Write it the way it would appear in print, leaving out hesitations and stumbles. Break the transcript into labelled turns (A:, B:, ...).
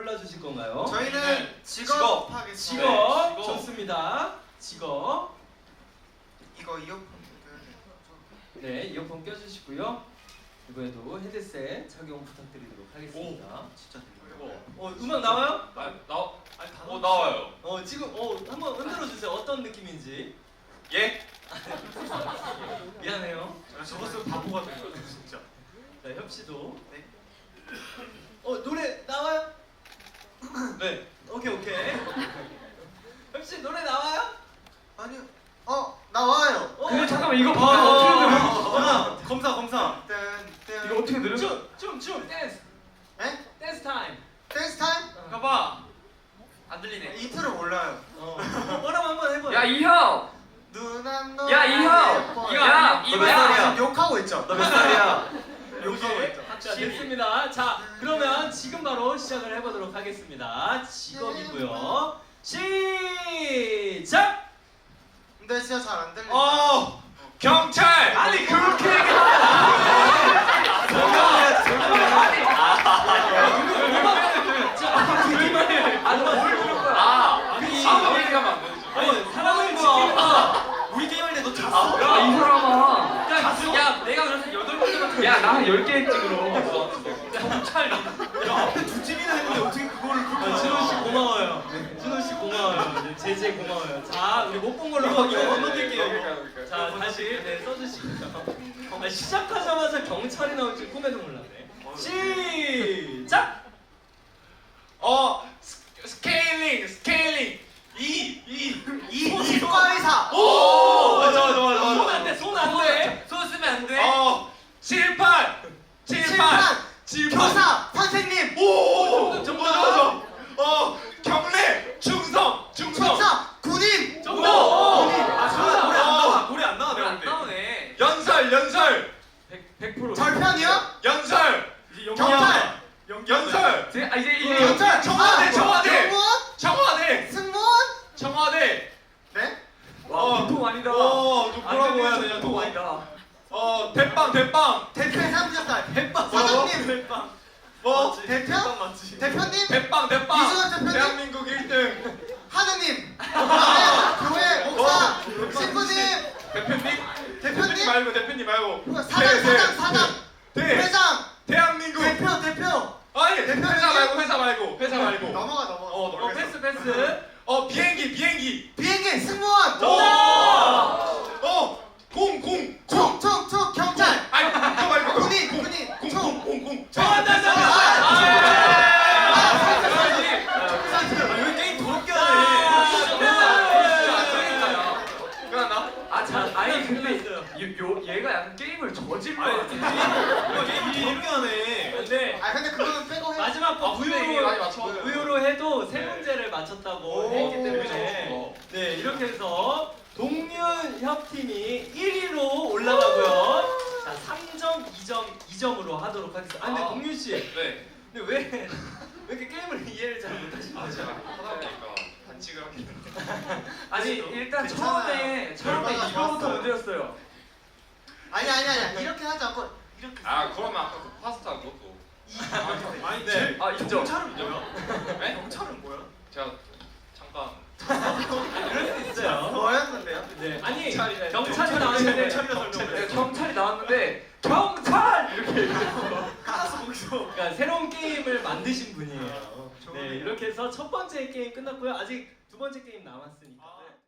A: 골라주실 건가요?
B: 저희는 직업 하겠습니다.
A: 직업.
B: 네,
A: 좋습니다. 직업.
B: 이거 이어폰
A: 네, 이어폰 껴주시고요. 이번에도 헤드셋 착용 부탁드리도록 하겠습니다.
B: 진짜 들려요.
A: 음악 나와요?
C: 나와요.
A: 지금 한번 흔들어 주세요. 어떤 느낌인지.
C: 예?
A: 미안해요.
B: 저것은 바보가 된 거예요, 진짜.
A: 자, 협 씨도.
B: 네.
A: 노래 나와요?
C: 네.
A: 오케이. 협 씨 노래 나와요?
B: 아니요. 나와요.
D: 근데 잠깐만 이거 봐봐 어떻게 들어?
B: 검사.
D: 이거 어떻게 들어?
A: 춤 댄스.
B: 네?
A: 댄스 타임.
B: 댄스 타임?
C: 봐봐. 안 들리네.
B: 이틀을 몰라요.
A: 뭐라고 한번 해봐요.
D: 야 이형!
B: 누난 너.
D: 야, 이형! 야,
B: 너 몇 살이야? 욕하고 있죠. 너 몇 살이야? 욕하고 있죠.
A: 자, 됐습니다. 자, 그러면 지금 바로 시작을 해보도록 하겠습니다. 직업이고요. 시작!
B: 근데 진짜 잘 안 들려.
C: 경찰.
D: 아니 그렇게 얘기하면
A: 사람을 지키는 거. 우리 게임할 때 너 잤어?
D: 야 이 사람아
C: 야, 내가 그래서 8번째만
D: 야나 10개 했지 그럼
C: 경찰.
B: 앞에 두 팀이나 했는데 어떻게 그거를 그렇게
A: 진호 씨 고마워요. 진호 씨 고마워요. 제재 고마워요. 자, 우리 못 본 걸로 이거 건너뛸게요. 자, 다시 써주시고요. 시작하자마자 경찰이 나올 줄 꿈에도 몰랐네. 시작!
C: 스케일링.
B: 이과의사.
A: 손 안 돼, 손 안 돼.
C: 손 쓰면 안 돼.
A: 78.
B: 교사. 선생님.
A: 정답.
C: 경례. 충성.
B: 천사. 군인.
A: 정답.
C: 노래 안 나와.
D: 안 나오네
C: 연설.
D: 100%
C: 연설.
B: 경찰.
C: 연설.
D: 이제
B: 경찰.
C: 청와대.
B: 승무원.
C: 청와대.
B: 네?
D: 와 보통 아니다
C: 뭐라고 해야 되냐,
D: 보통
C: 또.
D: 아니다
C: 대빵.
B: 대표의 삼겹살.
A: 대빵.
B: 사장님.
A: 대빵.
B: 대표? 대표님.
C: 대빵.
B: 이준환 대표님.
C: 대한민국 1등.
B: 하느님. 교회 목사. 신부님.
C: 대표님 말고.
B: 사장. 회장.
C: 대한민국.
B: 대표.
C: 아니,
B: 대표님.
C: 회사 말고.
B: 넘어가.
A: 패스.
C: 비행기.
B: 비행기. 승무원.
C: 공.
B: 총. 경찰.
C: 아니, 그거 말고.
B: 군인.
C: 공.
A: 왜 게임 더럽게 하네?
C: 끝났나?
D: 아니 근데 얘가 약간 게임을 저질러
A: 게임 더럽게 하네. 네.
B: 근데 그거는 빼고 해.
A: 마지막 거
C: 분명히 많이 맞췄어요.
A: 우유로 해도 세 문제를 맞췄다고
B: 오,
A: 했기 때문에
C: 그렇죠.
A: 네, 이렇게 해서 동윤협 팀이 1위로 올라가고요. 자, 3점, 2점으로 하도록 하겠습니다. 근데 동윤 씨,
C: 네.
A: 근데 왜 이렇게 게임을 이해를 잘 못하시는 거죠?
C: 제가 하다 보니까 반칙을 하게 됐는데.
D: 아니 일단
B: 괜찮아요.
D: 처음에
B: 열받아서
D: 이거부터
B: 왔어요.
D: 문제였어요
B: 아니야. 이렇게 하지 않고 이렇게.
C: 그러면 아까 그 파스타 그것도.
B: 아니,
A: 네.
D: 인정
B: 경찰은 뭐야?
C: 네?
B: 경찰은 뭐야?
C: 제가 잠깐.
A: 그럴 수 있어요.
B: 뭐였는데요?
A: 네, 아니
C: 경찰이네.
A: 경찰이 나왔는데
D: 경찰이 나왔는데 경찰! 이렇게 얘기했어
A: 그러니까 새로운 게임을 만드신 분이에요. 네, 이렇게 해서 첫 번째 게임 끝났고요. 아직 두 번째 게임 남았으니까.